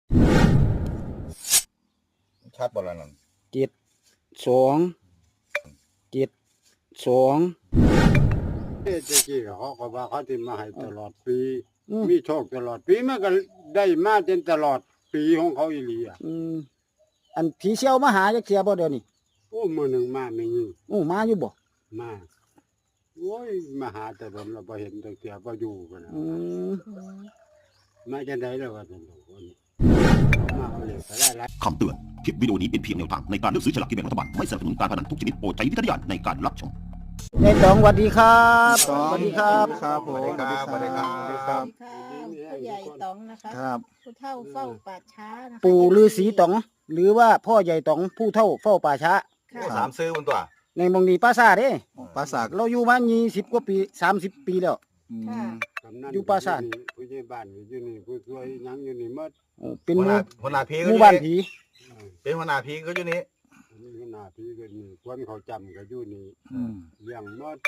ชัดบ่ละนั่น 72 เจ๊กี้เขาก็ว่าเขาที่มาให้ตลอดปี มีโชคตลอดปีมันก็ได้มาจนตลอดปีของเขาอีหลีอ่ะอันผีเชี่ยวมาหาจักเที่ยบ่เดี๋ยวนี้โอ้มื้อหนึงมาไม่ยิงมาอยู่บ่มาโอ้ยมาหาแต่ผมเราบ่เห็นจักเที่ยบ่อยู่กันนะมาจังได๋แล้วว่าซั่นคนมาเอาเลยก็ได้หลายคำเตือน คลิปวิดีโอนี้เป็นเพียงแนวทางในการเลือกซื้อฉลากกินแบ่งรัฐบาล ไม่สนับสนุนการพนันทุกชนิดโปรดใช้วิจารณญาณในการรับชมยายตองสวัสดีครับสวัสดีครับผมสวัสดีครับสวัสดีครับสวัสดีค่ะผู้ใหญ่ต๋องนะคะครับผู้เฒ่าเฝ้าป่าช้านะคะปู่ฤาษีตองหรือว่าพ่อใหญ่ตองผู้เฒ่าเฝ้าป่าช้าค่ะสามซื้อบนตัวในหมองนี้ปราสาทเด้ปราสาทเราอยู่มา20กว่าปี30ปีแล้วค่ะกำนันอยู่ปราสาทผู้ใหญ่บ้านอยู่นี่ผู้ช่วยหยังอยู่นี่หมดเป็นหหัวหน้าผีหก็มู่อยู่บ้านนี่ผีเป็นหัวหน้าผีก็อยู่นี่นี่หน้าพี่ก็นี่คนเขาจำก็อยู่นี่เลี้ยงหมด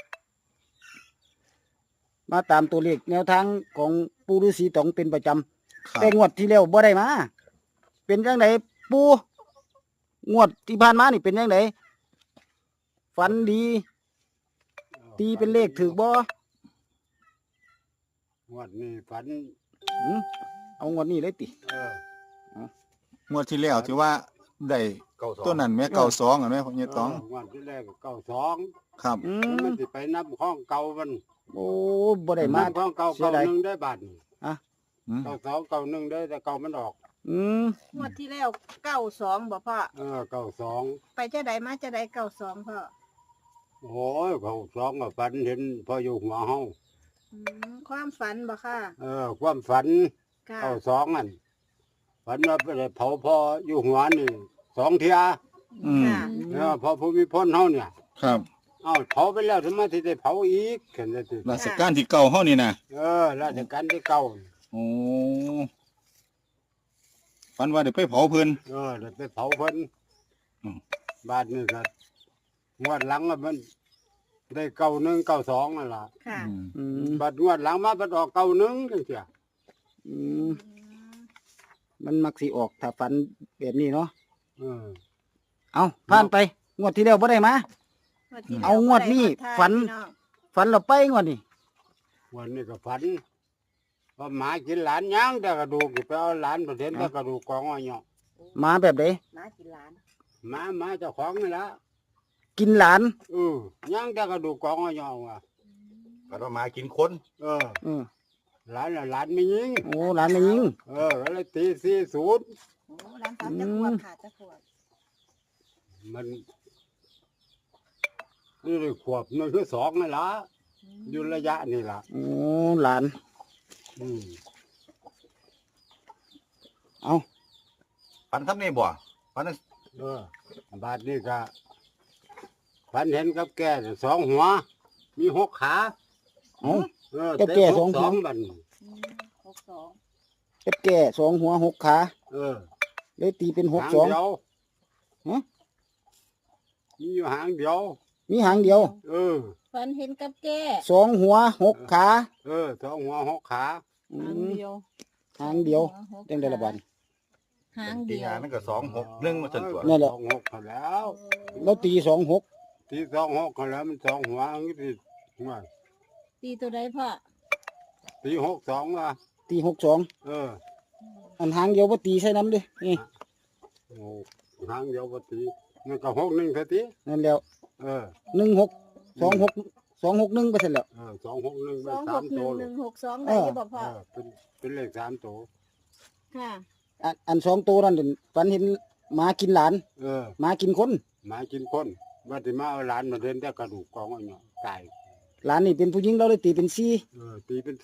มาตามตัวเลขแนวทางของปู่ฤาษีตองเป็นประจำครับแต่งวดที่แล้วบ่ได้มา เป็นจังไดปู่งวดที่ผ่านมานี่เป็นจังไดฝันดี ตีเป็นเลขถูกบ่งวดนี้ฝันเอางวดนี้เลยติงวดที่แล้วที่ว่าได้ 92 ตัวนั้นแม่เก่าสองอ่ะแม่ผมเนี่ยต้องงวดที่แรกก็92 ครับมันสิไปนับห้องเก่ามันโอ้บ่ได้มานับห้องเก่าเสียดาย 1ได้บาทนี่อืม 92 91ได้แต่เก่ามันออกงวดที่แล้ว92บ่พ่อ 92 ไปเจ้าใดมาเจ้าใด92พ่อโอ้ยเขา2ก็ฝันเห็นพออยู่หัวเฮาความฝันบ่ค่ะความฝันค่ะ 92นั่นฝันว่าไปได้เผาพ่ออยู่หัวนี่2เที่ยค่ะพอภูมิพลเฮาเนี่ยครับเอ้าเผาไปแล้วทำไมสิได้เผาอีกกันจังซี่ราชการที่เก่าเฮานี่นะราชการที่เก่าโอ้ฝันว่าเดี๋ยวไปเผาเพิ่นได้ไปเผาเพิ่นอืมบาทนี่ก็งวดหลังอะมันได้91 92นั่นล่ะค่ะบาทงวดหลังมาบัดออก91จังซี่มันมักสิออกถ้าฝันแบบนี้เนาะเออเอาผ่านไป งวดที่แล้วบ่ได้มาที่แล้วเอางวดนี้บ่ไมาทายฝันพี่องฝันเราไปงวดนี้วันนี้ก็ฝันว่าหมากินหลานย่างแต่กระดูกไปเอาหลานไปเห็นแต่กระดูกกองอ้อยเนาะมาแบบใดมากินหลานหมาเจ้าของนี่ละกินหลานย่างแต่กระดูกกองอ้อยเนาะว่ะก็ต้องมากินคนเออเออหลานน่ะหลานไม่ยิงโอ้หลานไม่ยิงก็เลยตี40 โอ้หลานสามจะขวบค่ะจะขวบมันนี่ได้ขวบนี่คือ2นี่ล่ะอยู่ระยะนี่ล่ะโอ้หลานอืมเอาฝันทำนี่บ่ฝันบาดนี้ก็ฝันเห็นกับแก่สองหัว มี6 ขาเอาเตะแก่สองหัวบัดนี้ 62 เป็ดแก่2 หัว 6 ขาเออเลยตีเป็นหาง 62 เดียวฮะมีอยู่หางเดียวมีหางเดียวฝันเห็นกับแก่ 2 หัว 6 ขาสองหัว6 ขาอืหางมเดียวหางเดียวหกจังได้ละบัดหางตีเดียวงานนั่นก็261มาจนตัวนั่นแหละสองหกเขาแล้วแล้วตี26 ที่สองหกเขาแล้วมันสองหัวอันนี้ที่ว่าตีตัวใดพ่อตี62ว่ะตี62อันหางเดียวบ่ตีใส่น้ำเด้นี่โอ้หางเดียวบ่ตีมันก็61ซะตินั่นแล้ว 16 26 261ไปเสร็จแล้ว 261ได้3ตัวเลย 261162ได้บ่พ่อเป็นเลข3ตัวค่ะอัน2ตัวนั่นฝันเห็นหมากินหลาน หมากินคนหมากินคนว่าสิมาเอาหลานมาเดินแต่กระดูกกองอ้อยเนาะตายหลานนี่เป็นผู้หญิงเราเลยตีเป็น4 ตีเป็น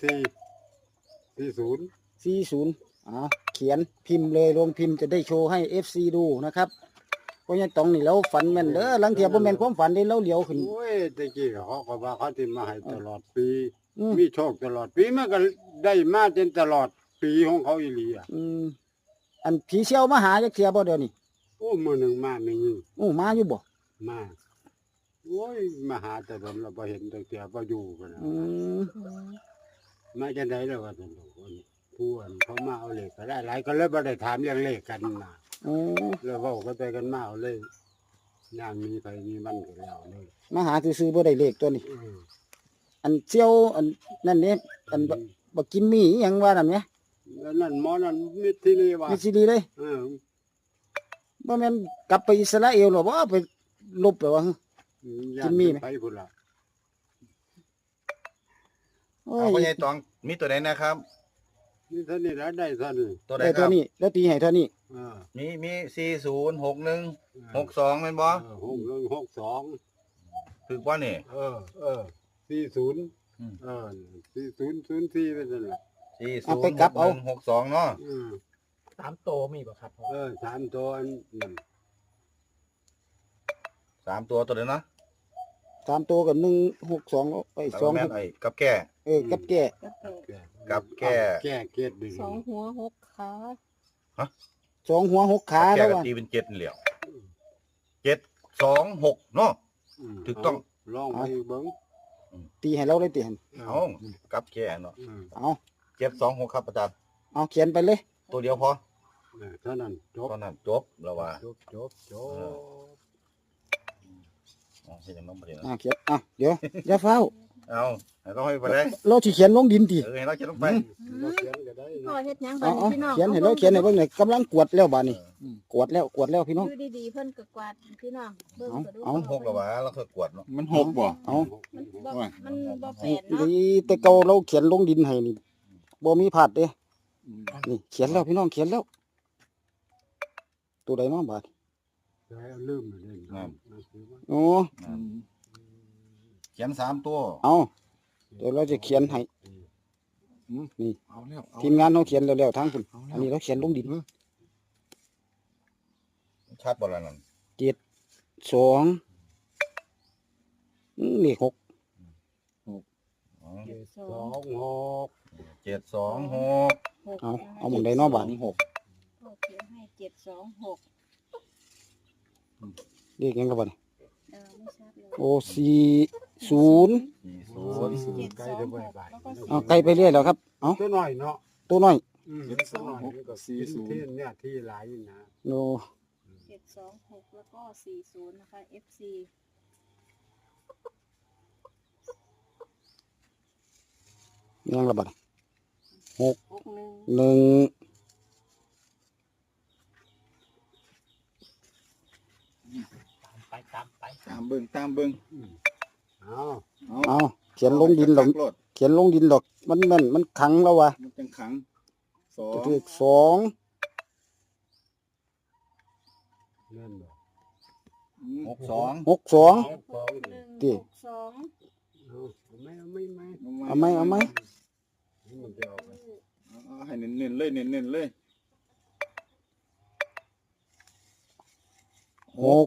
40 40เขียนพิมพ์เลยลงพิมพ์จะได้โชว์ให้ FC ดูนะครับเพราะงั้นตองนี่เราฝันแม่นเด้อลังเทียบ่แม่นความฝันเด้เราเหลียวขึ้นโอ้ยตะกี้เขาก็ว่าเขาที่มาให้ตลอดปีอืมมีโชคตลอดปีมันก็ได้มาจนตลอดปีของเขาอีหลีอ่ะอันผีเชี่ยวมาหาจักเทียบ่เดี๋ยวนี้โอ้มื้อหนึงมาไม่ยิงมาอยู่บ่มาโอ้ยมาหาแต่ผมเราบ่เห็นจักเที่ยบ่อยู่กันนะอืมมาจังได๋แล้วว่าซั่นคนผู้อันเขามาเอาเลขก็ได้หลายก็เลยบ่ได้ถามเรื่องเลขกันนะโอ้แล้วเว้ากันไปกันมาเอาเลยย่างมีไปมีมันก็แล้วเลยมาหาซื่อๆบ่ได้เลขตัวนี้ อันเจียวอันนั่นเนี่ยอันบักกิมมี่อิหยังว่านั่นเนี่ยแล้วนั่นหมอนั่นมิตรที่นี่ว่ามีซีดีเลยเออบ่แม่นกลับไปอิสราเอลหรอบ่ไปลบไปว่าย่ากินมีไหมไปพุ่นล่ะโอ้เอาพ่อใหญ่ยตองมีตัวไหนนะครับนี่เท่านี้แล้วได้เท่านี้ตัวไหนได้คตัวรับนี้แล้วตีให้เท่านี้เออมี406162แม่นบ่ 6162 ถูกบ่นี่ 40 อืม 4004เป็นนั่นแหละเอาไปกลับเอา 406162เนาะ 3 โตมีบ่ครับพ่อ 3ตัวอันนั่น 3ตัวเด้อเนาะ 3ตัวกับ162ไปแล้วก็แม่นไอ้กับแก่กับแก่กับแก่กับแก่แก้เกตดึงสองหัวหกขา 2 หัว 6 ขากับแล้แก่วก็ว่าตีเป็น7นี่แหล้ว726เนาะ ถูกต้องลองไปเบิ่งตีให้เราได้ตีให้เอากับแก่เนาะเอา 726ครับอาจารย์เอาเขียนไปเลยตัวเดียวพอเท่านั้นจบตอนนั้นจบแล้วว่าจบอ๋อเฮ็ดจังนั้นบ่ได้เขียนเดี๋ยวอย่าเฝ้าเอาให้เราให้ไปได้เราสิเขียนลงดินติให้เราเขียนลงไปเราเขียนก็ได้พ่อนะเฮ็ดหยังบัเอาดนี้พี่น้องเขียนให้เราเขียนให้เบิ่งหน่อยกำลังกวดแล้วบาดนี้กวดแล้วพี่น้องอยู่ดีๆเพิ่นก็กวาดพี่น้องเบิ่งก็ดูเอา 6แล้วว่าเราเคยกวดเนาะมันหกบ่เอามันบ่แปลนเนาะดีแต่เก่าเราเขียนลงดินให้นี่บ่มีพลาดเด้นี่เขียนแล้วพี่น้องเขียนแล้ว ตัวใดเนาะบาดแล้วลืมเลยนะโอ้เขียน3ตัวเอาเดี๋ยวเราจะเขียนให้ นี่เอาแล้วเอาทีมงานเขาเขียนแล้วๆทางคุณอันนี้เราเขียนลงดินชัดบ่ล่ะนั่น 2เลข6 อ๋อ 26 726 เอาหมองใดเนาะบาดนี้พ่อเขียนให้726 เลขหยังก็บาดนี้ไม่ชัดเลยโอ้40 40 ใกล้จะบ่บาทเอาไกลไปเรื่อยแล้วครับเอาตัวน้อยเนาะตัวน้อยตัวน้อยนี่ก็ที่เนี่ยที่หลายอยู่นะโน 726แล้วก็40นะคะ FC ยังละบาด 61 1 ไปตามไปตามเบิ่งตามเบิ่งเอาเอาเขียนลงดินหรอกรถเขียนลงดินหรอกมันแม่นมันขังแล้ววะมันจังขังสองเลข2 นั่นบ่ 62 62 61 ติ 62 เอาไม่เอาไหมมันจะออกไปเอาให้เน้นๆเลยเน้นๆเลย 6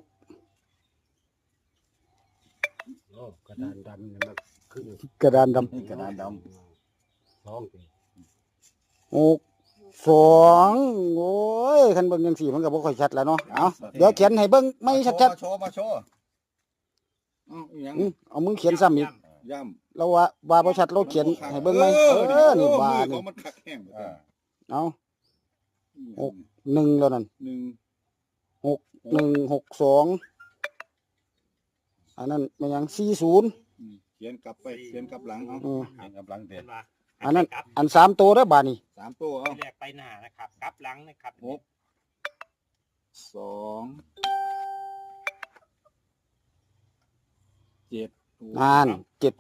โอ้กระดานดำเนี่ยมันขึ้นกระดานดนี่กระดานดำสองทีำ6 2โอ้ยคันเบิ่งจังซี่มันก็บ่ค่อยชัดแล้วเนาะเอาเดี๋ยวเขียนให้เบิ่งไม่ชัดโชว์มาโชว์เอาอีหยังๆเอามือเขียนซ้ำอีกย่ำเราว่าบ่ชัดเราเขียนให้เบิ่งไหมนี่บามือนี่เขามันคักแห้งอ่าเอา1แล้วนั่นหนึ่ง 6162อันนั้นมันยัง40 เขียนกลับไปเขียนกลับหลังเอาอือเห็นกำลังเด็ดอันนั้นอัน3ตัวเด้อบาดนี้ 3ตัวเอาแรกไปหน้านะครับกลับหลังนะครับ 2 7 อ่าน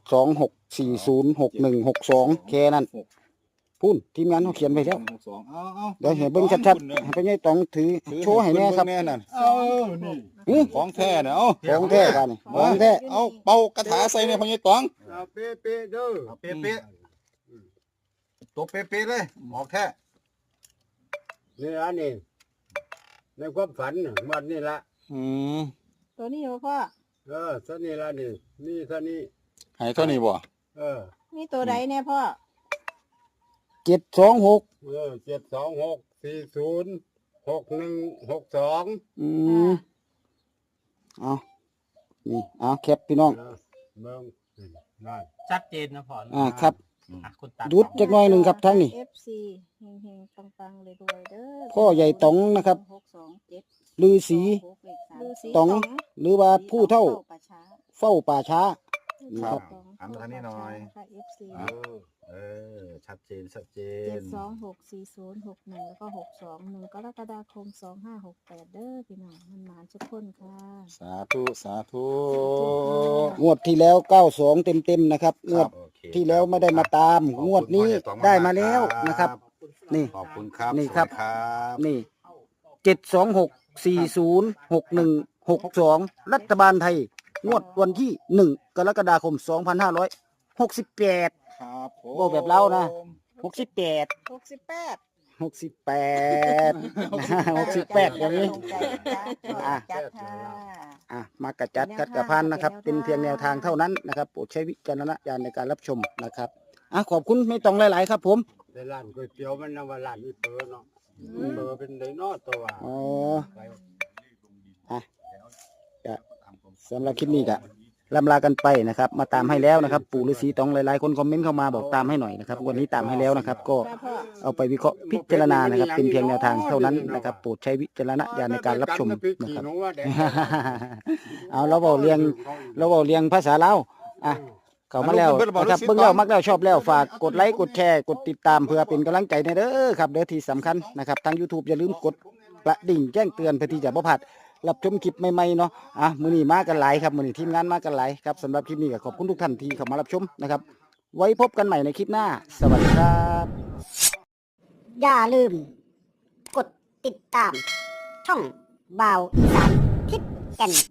726406162แค่นั้นพูนทีมงานเขาเขียนไว้แล้ว 62เอาเดี๋ยวให้เบิ่งชัดๆให้พ่อใหญ่ต้องถือโชว์ให้แน่ครับแน่นั่นเอานี่อื้อของแท้เนี่ยเอาของแท้บาดนี้ของแท้เอาเป่ากระถาใส่ในพญายตองเอาเป๊ะๆเด้อเอาเป๊ะๆตัวเป๊ะๆเลยหมอกแท้นี่อันนี้ในความฝันน่ะมันนี่ละอืมตัวนี้เหรอพ่อซะนี่ละนี่ซะนี่ให้เท่านี้บ่นี่ตัวใดเนี่ยพ่อ 726 726406162 อืมเอานี่เอาแคปพี่น้องเมืองนั่นชัดเจนนะพ่อครับคุณตาดุดจักหน่อยหนึ่งครับทั้งนี้ FC เฮงๆปังๆเลยด้วยเด้อพ่อใหญ่ต๋องนะครับ 627 ลือสีฤาษีต๋องหรือว่าผู้เท่าป่าช้าเฝ้าป่าช้าครับต๋องหันมาทางนี้หน่อยนะคะ FC ชัดเจนชัดเจน 726406แล้วก็621กรกฎาคม2568เด้อพี่น้องมันหมานทุกคนค่ะสาธุสาธุงวดที่แล้ว92เต็มๆนะครับงวดโอเคที่แล้วไม่ได้มาตามขอบคุณงวดนี้พ่อใหญ่ต๋องได้มาๆแล้วนะครับ นี่ขอบคุณครับนี่ครับสวัสดีครับนี่726406162รัฐบาลไทย งวดวันที่1กรกฎาคม2568 ครับผมโอ้แบบเรานะ 68 68 68 68อย่างนี้ อ่ะจัดค่ะมากระจัดกัดกระพันนะครับ เป็นเพียงแนวทางเท่านั้นนะครับโปรดใช้วิจารณญาณในการรับชมนะครับขอบคุณไม่ต้องหลายๆครับผมในร้านก๋วยเตี๋ยวมันนะว่าร้านอีเปอร์เนาะอีเปอร์เป็นไดโนตัวอ๋อจะสำหรับคลิปนี้ก็ลำลากันไปนะครับ มาตามให้แล้วนะครับ ปู่ฤาษีตองหลายๆคนคอมเมนต์เข้ามาบอกตามให้หน่อยนะครับวันนี้ตามให้แล้วนะครับ ก็เอาไปวิเคราะห์พิจารณานะครับ เป็นเพียงแนวทางเท่านั้นนะครับโปรดใช้วิจารณญาณในการรับชมนะครับ เอาเราเบาเรียงภาษาลาวเข้ามาแล้วนะครับเบิ่งแล้วมักแล้วชอบแล้วฝากกดไลค์กดแชร์กดติดตามเพื่อเป็นกำลังใจในเด้อครับเด้อที่สำคัญนะครับทาง YouTube อย่าลืมกดกระดิ่งแจ้งเตือนเพื่อที่จะบ่พลาดรับชมคลิปใหม่ๆเนาะมื้อนี้มากันหลายครับมื้อนี้ทีมงานมากันหลายครับสำหรับคลิปนี้ก็ขอบคุณทุกท่านที่เข้ามารับชมนะครับไว้พบกันใหม่ในคลิปหน้าสวัสดีครับอย่าลืม กดติดตาม ช่องบ่าวอีสานทิศแก่น